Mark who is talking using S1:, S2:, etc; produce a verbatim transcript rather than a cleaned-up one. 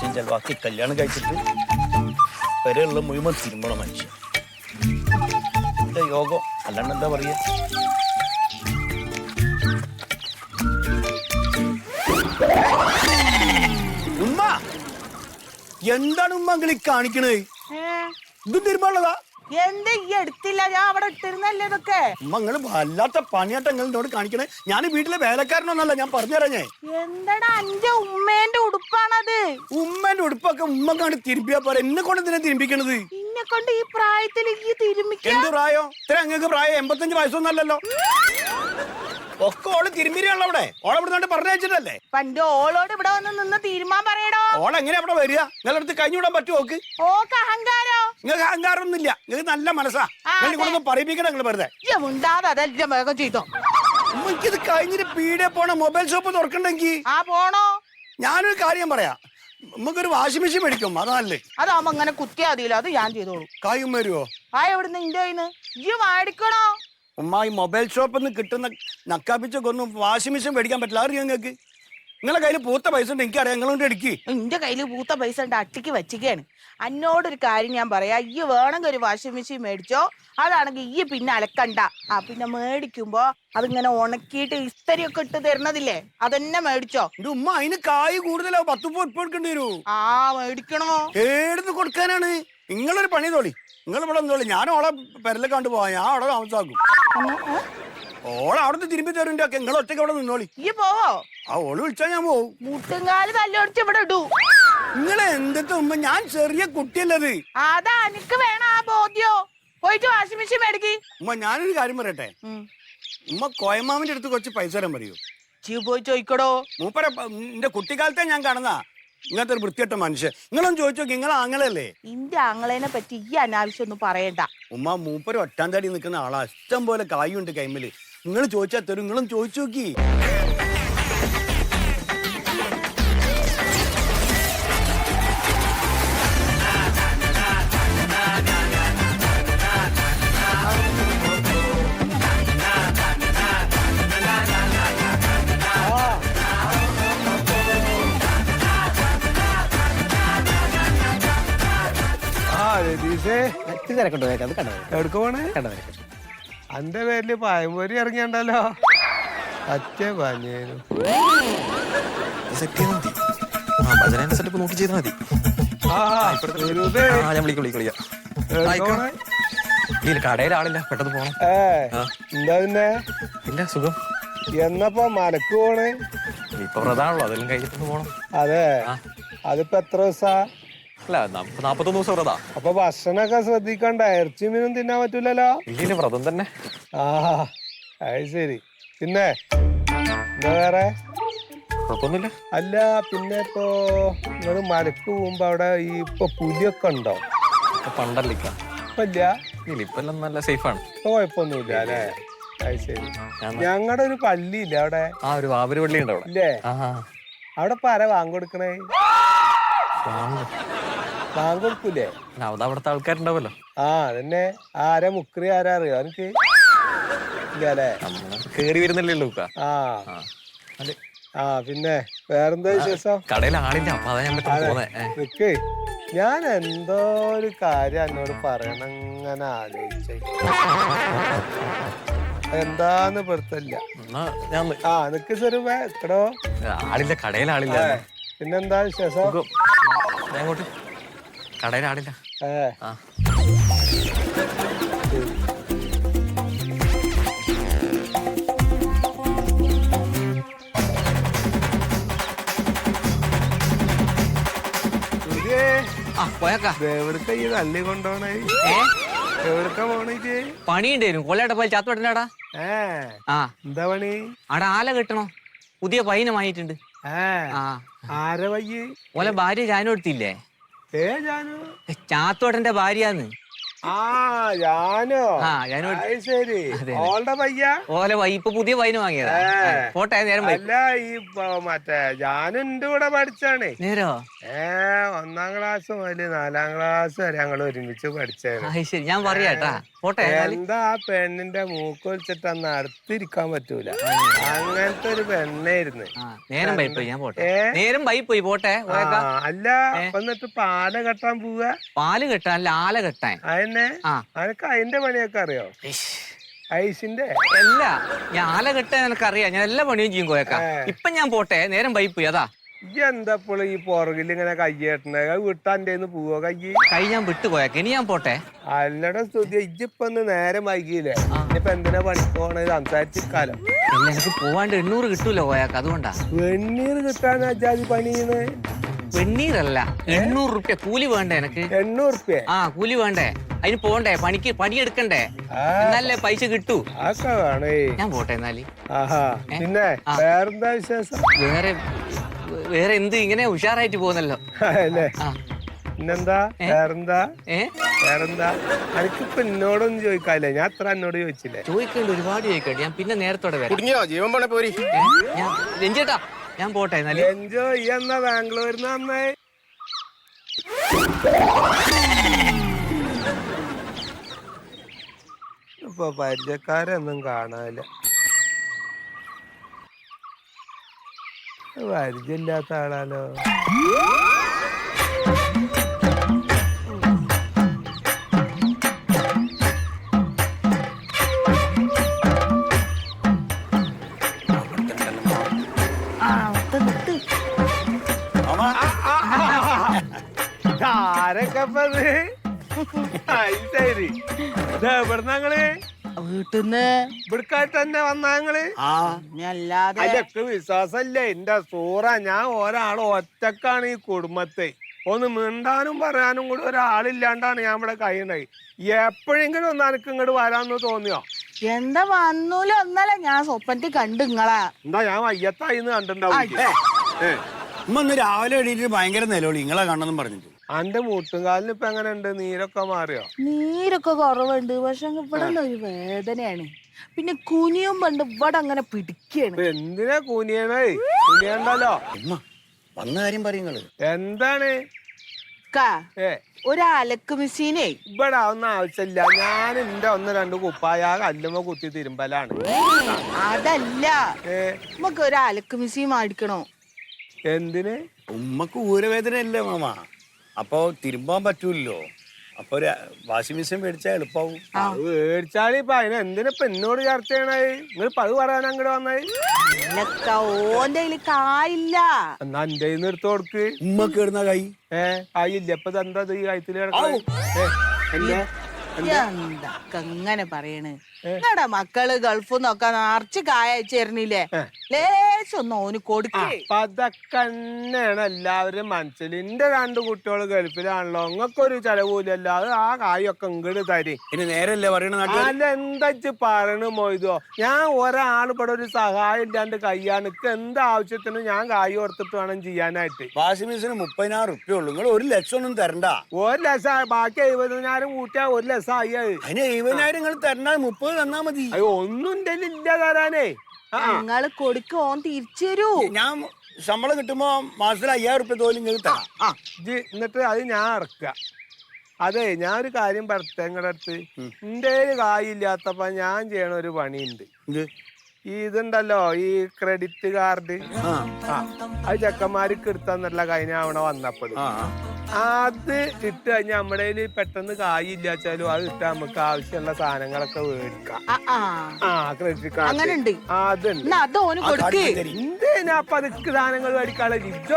S1: കാശും ചെലവാക്കി കല്യാണം കഴിച്ചിട്ട് വരെയുള്ള മുഴുവൻ തിരുമ്പണ മനുഷ്യൻ. എന്റെ യോഗം അല്ലാണ്ട് എന്താ പറയാ. ഉമ്മ എന്താണ് ഉമ്മ അങ്ങളി കാണിക്കണേ? ഇതും തിരുമ്പാനുള്ളതാ?
S2: എന്താ ഈ എടുത്തില്ല? ഞാൻ അവിടെ ഇട്ടിരുന്നല്ലേ ഇതൊക്കെ.
S1: ഉമ്മങ്ങള് വല്ലാത്ത പണിയാട്ട എന്നോട് കാണിക്കണേ. ഞാൻ വീട്ടിലെ വേലക്കാരനൊന്നല്ല, ഞാൻ പറഞ്ഞുതരാ. ഞാൻ
S2: എന്താടാ അന്റെ ഉമ്മേന്റെ ഉടുപ്പാണത്.
S1: ഉമ്മേന്റെ ഉടുപ്പൊക്കെ ഉമ്മ കാണി തിരുമ്പിയാ പോരെ, എന്നെ കൊണ്ട് ഇതിനെ തിരുമ്പിക്കണത്.
S2: എന്നെ കൊണ്ട് ഈ പ്രായത്തിൽ ഈ തിരുമ്പിക്ക?
S1: എന്ത് പ്രായം? ഇത്ര അങ്ങക്ക് പ്രായം എൺപത്തഞ്ച് വയസ്സൊന്നല്ലല്ലോ. ഒക്കെ ഓള് തിരുമ്പിരിയാണല്ലോ അവിടെ. ഓളെ ഇവിടെ പറഞ്ഞയച്ചിട്ടല്ലേ.
S2: പണ്ട് ഓളോട് ഇവിടെ വന്ന് നിന്ന് തീരുമാൻ പറയടോ.
S1: ഓളെങ്ങനെ അവിടെ വരിക? നിങ്ങളടുത്ത് കഴിഞ്ഞു വിടാൻ പറ്റുമോ? ഓക്ക്
S2: ഓക്ക് അഹങ്കാരോ?
S1: നിങ്ങൾക്ക് അഹങ്കാരം ഒന്നുമില്ല, നിങ്ങൾക്ക് നല്ല മനസ്സാ. നിങ്ങൾ പറയിപ്പിക്കണം നിങ്ങൾ വെറുതെ.
S2: വേഗം ചെയ്തോ.
S1: എനിക്കിത് കഴിഞ്ഞിട്ട് പീടിയെ പോണ മൊബൈൽ ഷോപ്പ് തുറക്കണ്ടെങ്കിൽ
S2: ആ പോണോ?
S1: ഞാനൊരു കാര്യം പറയാം, നമുക്കൊരു വാഷിംഗ് മെഷീൻ മേടിക്കും, അതല്ലേ.
S2: അതാവുമ്പോ അങ്ങനെ കുത്തിയാ മതിയല്ലോ, അത് ഞാൻ ചെയ്തോളൂ.
S1: കായും വരുവോ?
S2: ആ എവിടുന്ന് ഇന്റെ കയ്യിന്ന് ഇയ്യ് മേടിക്കണോ?
S1: ഉമ്മ ഈ മൊബൈൽ ഷോപ്പിൽ നിന്ന് കിട്ടുന്ന നക്കാപ്പിച്ചൊക്കെ ഒന്നും വാഷിംഗ് മെഷീൻ മേടിക്കാൻ പറ്റില്ല. അറിയാം നിങ്ങൾക്ക്? നിങ്ങളെ കയ്യിൽ പൂത്ത പൈസ ഉണ്ട്, എനിക്കറിയാം. നിങ്ങളോട് അടിക്ക്.
S2: എന്റെ കയ്യിൽ പൂത്ത പൈസ ഉണ്ട്, അട്ടിക്ക് വെച്ചിക്കാണ്. എന്നോടൊരു കാര്യം ഞാൻ പറയാ, ഈ വേണമെങ്കിൽ ഒരു വാഷിംഗ് മെഷീൻ മേടിച്ചോ. അതാണെങ്കിൽ ഈ പിന്നെ അലക്കണ്ട. ആ പിന്നെ മേടിക്കുമ്പോ അതിങ്ങനെ ഉണക്കിയിട്ട് ഇസ്തരിയൊക്കെ ഇട്ട് തരണതില്ലേ, അതെന്നെ മേടിച്ചോ.
S1: എന്റെ ഉമ്മ അതിന് കായ് കൂടുതലാവും, പത്ത് ഉപ്പ് ഉപ്പ് എടുക്കേണ്ടി വരൂ.
S2: ആ മേടിക്കണോ?
S1: ഏടുന്ന് കൊടുക്കാനാണ്? നിങ്ങളൊരു പണി തോളി, നിങ്ങൾ ഇവിടെ തോളി. ഞാൻ ഓളെ പെരലെ കണ്ടു പോവാ, ഞാൻ അവിടെ താമസാക്കും. ഓളെ അവിടുന്ന് തിരുമ്പി തരുന്നുണ്ട് ഒക്കെ. നിങ്ങൾ ഒറ്റയ്ക്ക് അവിടെ നിന്നോളി.
S2: ഈ പോവോ?
S1: ആ ഓള് വിളിച്ചാ ഞാൻ പോവും.
S2: മുട്ടുംകാല് തല്ലോടിച്ച് ഇവിടെ ഇടൂ.
S1: നിങ്ങളെ എന്തൊക്കെ ഉമ്മ, ഞാൻ ചെറിയ കുട്ടിയല്ലത്.
S2: അതാ എനിക്ക് വേണം ആ ബോധ്യോ. പോയിട്ട് വാഷിംഗ് മെഷീൻ മേടിക്ക്.
S1: ഉമ്മ ഞാനൊരു കാര്യം പറയട്ടെ, ഉമ്മ കോയമാമിന്റെ അടുത്ത് കുറച്ച് പൈസ തരാൻ പറയൂ.
S2: ചീ പോയി ചോദിക്കടോ.
S1: മൂപ്പര എന്റെ കുട്ടിക്കാലത്തെ ഞാൻ കാണുന്ന ഇങ്ങനത്തെ ഒരു വൃത്തിയട്ട മനുഷ്യൻ. നിങ്ങളൊന്നും ചോദിച്ചു നോക്കി, നിങ്ങളെ ആങ്ങളല്ലേ.
S2: ഇന്റെ ആങ്ങളേനെ പറ്റി ഈ അനാവശ്യം ഒന്നും പറയണ്ട.
S1: ഉമ്മ മൂപ്പര ഒറ്റാം തടി നിൽക്കുന്ന ആളാ, ഇഷ്ടം പോലെ കായുണ്ട് കൈമല്. നിങ്ങൾ ചോദിച്ചാൽ തരും, നിങ്ങളും ചോദിച്ചു നോക്കി.
S3: അന്റെ പേരില് പഴംപൊരി ഇറങ്ങിയണ്ടല്ലോ. അച്ഛ പഞ്ഞേനു
S4: കടയിലാളില്ല, പെട്ടെന്ന് പോണം.
S3: എന്താ പിന്നെ?
S4: ഇല്ല, സുഖം.
S3: എന്നപ്പോ മലക്ക് പോണേ?
S4: ഇപ്പൊ പ്രധാനല്ലോ, അതെല്ലാം കഴിഞ്ഞിട്ട് പോണം.
S3: അതെ, അതിപ്പോ എത്ര ദിവസാ?
S4: അല്ല, നാപ്പത്തൊന്ന് ദിവസം വ്രതാ.
S3: അപ്പൊ ഭക്ഷണൊക്കെ ശ്രദ്ധിക്കണ്ട, ഇറച്ചി മീനും തിന്നാൻ പറ്റൂലല്ലോ.
S4: ഇല്ല, വ്രതം തന്നെ.
S3: ആ അത് ശരി. പിന്നെ എന്താ വേറെ?
S4: കുഴപ്പമൊന്നുമില്ല.
S3: അല്ല പിന്നെ ഇപ്പൊ നിങ്ങള് മലക്ക് പോകുമ്പോ അവിടെ ഈ ഇപ്പൊ പുലിയൊക്കെ ഉണ്ടോ?
S4: പണ്ടല്ലിക്ക
S3: ഇപ്പൊ ഇല്ല.
S4: ഇല്ല, ഇപ്പൊ എല്ലാം നല്ല സേഫാണ്.
S3: ഇപ്പൊ കുഴപ്പമൊന്നുമില്ല അല്ലേ? അത് ശരി. ഞങ്ങളുടെ ഒരു പള്ളി ഇല്ല അവിടെ?
S4: ആ, ഒരു വാവര് പള്ളി ഉണ്ട് അവിടെ.
S3: ഇല്ലേ? അവിടെ ഇപ്പൊ ആരാ വാങ്ങിക്കൊടുക്കണേ? വാങ്ങിക്കൊടുക്കൂലേ?
S4: അവിടുത്തെ ആൾക്കാരുണ്ടാവല്ലോ.
S3: ആ അതന്നെ. ആരാ മുക്രി ആരാ അറിയോ എനിക്ക്? ഇല്ലേ?
S4: കേറി വരുന്നില്ലല്ലോ.
S3: ആ ആ പിന്നെ വേറെന്താ വിശേഷം?
S4: കടയിൽ ആളില്ല, അപ്പൊ അതാ ഞാൻ പോന്നെ.
S3: നിക്ക്, ഞാൻ എന്തോ ഒരു കാര്യം എന്നോട് പറയണം ഇങ്ങനെ ആലോചിച്ച. എന്താന്ന് പെടുത്തില്ല. ആ നിക്ക് സ്വരൂപേ എക്കടോ.
S4: ആളില്ല, കടയിൽ ആളില്ല.
S3: പിന്നെന്താ വിശേഷം?
S4: അങ്ങോട്ട് കടയിൽ ആളില്ല.
S3: ഏ എവിടക്ക ഈ തള്ളി കൊണ്ടോണേ? എവിടക്ക പോണേ?
S5: പണിയുണ്ടായിരുന്നു കൊല്ലയുടെ പോയി ചാത്തോട്ടനാടാ.
S3: ഏ
S5: ആ
S3: എന്താ പണി?
S5: അവിടെ ആല കെട്ടണോ, പുതിയ പയ്യനെ വാങ്ങിയിട്ടുണ്ട്.
S3: ആരെ വയ്യ്?
S5: ഓലെ ഭാര്യ ജാനു എടുത്തില്ലേ?
S3: ഏ ജാനു?
S5: ചാത്തോട്ടന്റെ ഭാര്യാന്ന്.
S3: ആ ഞാനോ
S5: ആ ഞാനും
S3: അത് ശരി ഓളുടെ പയ്യ
S5: ഓലെ വൈ ഇപ്പൊ പുതിയ വൈന് വാങ്ങിയതാ
S3: ഏ.
S5: പോട്ടെ നേരം വൈ
S3: അല്ല ഈ പ- മറ്റേ ഞാനും എന്റെ കൂടെ പഠിച്ചാണ്
S5: നേരോ
S3: ഏ ഒന്നാം ക്ലാസ് മുതല് നാലാം ക്ലാസ് വരെ ഞങ്ങൾ ഒരുമിച്ച് പഠിച്ചാണ്
S5: ആ ശരി ഞാൻ പറയാട്ടാ പോട്ടെ എന്നാല്.
S3: എന്താ ആ പെണ്ണിന്റെ മൂക്ക് വലിച്ചിട്ട് അന്ന് അടുത്തിരിക്കാൻ പറ്റൂല അങ്ങനത്തെ ഒരു പെണ്ണായിരുന്നു
S5: ആ നേരം വൈ പോയി ഞാൻ പോട്ടെ
S3: ഏ?
S5: നേരം വൈ പോയി പോട്ടെ
S3: ആ,
S5: പോയേക്കാം.
S3: അല്ല അപ്പൊ എന്നിട്ട് പാല കെട്ടാൻ പോവുക
S5: പാല് കെട്ടാൻ അല്ല ആല കെട്ടാൻ
S3: അതന്നെ
S5: ആ
S3: അനക്ക് അതിന്റെ പണിയൊക്കെ അറിയോ ഐസിന്റെ
S5: അല്ല ഞാൻ ആല കെട്ടാൻ എനിക്കറിയാം ഞാൻ എല്ലാ പണിയും ചെയ്യും കോയക്കാം
S3: ഏ.
S5: ഇപ്പൊ ഞാൻ പോട്ടെ നേരം വൈ പോയി അതാ
S3: ഈ എന്താപ്പോൾ ഈ പുറകിൽ ഇങ്ങനെ കയ്യേട്ടണ വിട്ടാൻ്റെ പോവോ കയ്യ്
S5: കൈ ഞാൻ വിട്ടു കോയക്കാം ഇനി ഞാൻ പോട്ടെ
S3: അല്ലട സ്തുതി ഇജ്ജിപ്പൊ ഒന്ന് നേരം വൈകിയില്ലേ ഇനിയിപ്പൊ എന്തിനാ പണിക്ക് പോണത് സംസാരിച്ചിരിക്കാലോ
S5: അല്ല എനിക്ക് പോവാണ്ട് എണ്ണൂറ് കിട്ടൂല കോയക്കാം അതുകൊണ്ടാ
S3: വെണ്ണീർ കിട്ടാൻ അജാതി പണിയുന്നത്
S5: വെണ്ണീരല്ല എണ്ണൂറ് റുപ്യ കൂലി വേണ്ടേ എനക്ക്
S3: എണ്ണൂറ് റുപ്യ
S5: ആ കൂലി വേണ്ടേ അതിന് പോണ്ടേ പണിക്ക് പണിയെടുക്കണ്ടേ എന്നാലേ പൈസ കിട്ടൂ
S3: ആക്കെ വേണേ
S5: ഞാൻ പോട്ടെ എന്നാല്
S3: ആഹാ പിന്നെ വേറെന്താ വിശേഷം
S5: വേറെ വേറെ എന്ത് ഇങ്ങനെ ഉഷാറായിട്ട് പോകുന്നല്ലോ
S3: അല്ലേ
S5: ആ
S3: പിന്നെന്താ വേറെന്താ
S5: ഏ
S3: വേറെന്താ എനിക്കിപ്പൊ എന്നോടൊന്നും ചോദിക്കാല്ലേ ഞാൻ അത്ര എന്നോട് ചോദിച്ചില്ലേ
S5: ചോദിക്കണ്ട് ഒരുപാട് ചോദിക്കണ്ട് ഞാൻ പിന്നെ നേരത്തോടെ വരാം
S1: കുടുങ്ങിയോ ജീവൻ പോണേ പോരി
S5: ഏ? ഞാൻ രഞ്ജേട്ടാ ഞാൻ പോട്ടെ എന്നാല്
S3: എൻജോയ് ഈ എന്നാ ബാംഗ്ലൂരിന്ന് വന്നേ ഇപ്പൊ പരിചയക്കാരൊന്നും കാണാനില്ല പരിചയമില്ലാത്ത ആളാലോ
S2: ആ നിർത്ത്, നിർത്ത്.
S3: ആരൊക്കെ ശരി എവിടുന്ന ഞങ്ങള്
S2: വീട്ടിന്ന്
S3: ഇവിടുക്കായിട്ട് തന്നെ വന്ന ഞങ്ങള്
S1: ആ
S2: ഇനി അല്ലാതെ
S3: അതിലൊക്കെ വിശ്വാസല്ലേ എന്റെ സൂറ ഞാൻ ഒരാൾ ഒറ്റക്കാണ് ഈ കുടുംബത്തെ ഒന്ന് മിണ്ടാനും പറയാനും കൂടി ഒരാളില്ലാണ്ടാണ് ഞാൻ ഇവിടെ കഴിയണത് എപ്പോഴെങ്കിലും ഒന്ന് എനിക്ക് ഇങ്ങോട്ട് വരാന്ന് തോന്നിയോ
S2: എന്താ വന്നൂല ഒന്നല്ല ഞാൻ സ്വപ്നത്തിൽ കണ്ടു നിങ്ങളാ
S3: എന്താ ഞാൻ വയ്യത്തായിന്ന് കണ്ടിട്ടുണ്ടാവും
S1: ഉമ്മ ഇന്ന് രാവിലെ എണീറ്റ് ഭയങ്കര നിലവിളി നിങ്ങളെ കാണണമെന്നും പറഞ്ഞിട്ട്
S3: അന്റെ മുട്ടുംകാലിന് ഇപ്പൊ എങ്ങനെ ഉണ്ട് നീരൊക്കെ മാറിയോ
S2: നീരൊക്കെ കുറവുണ്ട് പക്ഷെ ഇവിടെ ഒരു വേദനയാണ് പിന്നെ കുനിയും പണ്ട് ഇവിടെ അങ്ങനെ പിടിക്കാണ്
S3: ഇപ്പൊ എന്തിനാ കൂനിയണേ കൂനിയണ്ടല്ലോ
S1: ഉമ്മ വന്ന കാര്യം പറയുങ്ങള്
S3: എന്താണ്
S2: കാ
S3: ഏ
S2: ഒരു അലക്ക് മെഷീനേ
S3: ഇവിടെ ഒന്നും ആവശ്യമില്ല ഞാൻ എന്റെ ഒന്ന് രണ്ട് കുപ്പായ ആ കല്ലുമ്മ കുത്തി തിരുമ്പലാണ്
S2: അതല്ല
S3: ഏ
S2: നമുക്ക് ഒരു അലക്ക് മെഷീൻ മേടിക്കണോ
S3: എന്തിന്
S1: ഉമ്മക്ക് ഊരവേദന അല്ലേ മാമ അപ്പൊ തിരുമ്പാൻ പറ്റൂല്ലോ അപ്പൊ ഒരു വാഷിംഗ് മെഷീൻ മേടിച്ചാൽ എളുപ്പാവും
S3: അത് മേടിച്ചാല് ഇപ്പൊ അതിന് എന്തിനിപ്പൊ എന്നോട് ചർച്ച ചെയ്യണത് നിങ്ങൾ പത് പറയാൻ അങ്ങോട്ട് വന്നത്
S2: ഇല്ലക്ക, ഓന്റെ കയ്യില് കായില്ല.
S3: എന്നാ എന്റെ കയ്യിന്ന് എടുത്ത് കൊടുക്ക്
S1: ഉമ്മക്ക് ഇടുന്ന കൈ
S3: ഏ ആയില്ല ഇപ്പൊ എന്താ ഈ കയത്തില് കിടക്കുന്നത്
S2: എന്തൊക്കെ ഇങ്ങനെ പറയണ് നിങ്ങടെ മക്കള് ഗൾഫിൽ നിന്നൊക്കെ നിറച്ച് കായ അയച്ചേരണില്ലേ ലേശൊന്നും ഓന് കൊടുക്കേ
S3: അപ്പൊ അതൊക്കെ തന്നെയാണ് എല്ലാവരും മനസ്സിൽ എന്റെ രണ്ട് കുട്ടികൾ ഗൾഫിലാണല്ലോ നിങ്ങൾക്കൊരു ചെലവില്ലല്ലോ അത് ആ കായൊക്കെ ഇങ്ങോട്ട് തരി
S1: പിന്നെ നേരല്ലേ പറയണ നാട്ടിൽ
S3: അല്ല എന്താ പറയണ മൊയ്തോ ഞാൻ ഒരാൾ ഇവിടെ ഒരു സഹായം ഇല്ലാണ്ട് കയ്യാണ് ഇക്ക് എന്ത് ആവശ്യത്തിനും ഞാൻ കായ് ഓർത്തിട്ട് വേണം ചെയ്യാനായിട്ട്
S1: വാഷിംഗ് മെഷീന് മുപ്പതിനായിരം റുപ്യ ഉള്ളൂ നിങ്ങൾ ഒരു ലക്ഷം ഒന്നും തരണ്ട
S3: ഒരു ലക്ഷം ബാക്കി എഴുപതിനായിരം കൂട്ടിയാ ഒരു ലക്ഷം ആയി അത്
S1: അതിന് എഴുപതിനായിരം നിങ്ങൾ തരണ്ട മുപ്പത് തന്നാ മതി
S3: അയ്യോ ഒന്നും എന്റെ ഇല്ല തരാനേ ആ
S2: നിങ്ങള് കൊടുക്ക് ഓൻ തിരിച്ചു തരൂ.
S1: ഞാൻ ശമ്പളം കിട്ടുമ്പോ മാസത്തിൽ അയ്യായിരം റുപ്യ തോലും നിങ്ങൾ തരാം
S3: ആ ഇജ്ജ് എന്നിട്ട് അത് ഞാൻ ഇറക്കുക അതെ ഞാൻ ഒരു കാര്യം പറട്ടെ നിങ്ങളുടെ അടുത്ത് എന്റെ കായില്ലാത്തപ്പോ ഞാൻ ചെയ്യണ ഒരു പണിയുണ്ട്
S1: ഇത്
S3: ഈ ഇതുണ്ടല്ലോ ഈ ക്രെഡിറ്റ് കാർഡ്
S1: ആ
S3: ആ അത് ചെക്കന്മാർക്ക് എടുത്താന്നല്ല കഴിഞ്ഞ അവിടെ വന്നപ്പോൾ
S1: ആ
S3: അത് ഇട്ട് കഴിഞ്ഞാൽ നമ്മുടെ കയ്യില് പെട്ടെന്ന് കായില്ലാച്ചാലും അത് ഇട്ട് നമുക്ക് ആവശ്യമുള്ള സാധനങ്ങളൊക്കെ മേടിക്കാം
S2: ആ, ആ.
S3: ആ ക്രെഡിറ്റ് കാർഡ്
S2: അങ്ങനുണ്ട്
S3: ആ അതുണ്ട്
S2: എന്നാ അത് ഓന്
S1: ആ
S2: കൊടുക്ക്.
S1: കാർഡ് തരി.
S3: എന്തിനാ അപ്പൊ അതൊക്കെ സാധനങ്ങൾ മേടിക്കാനുള്ള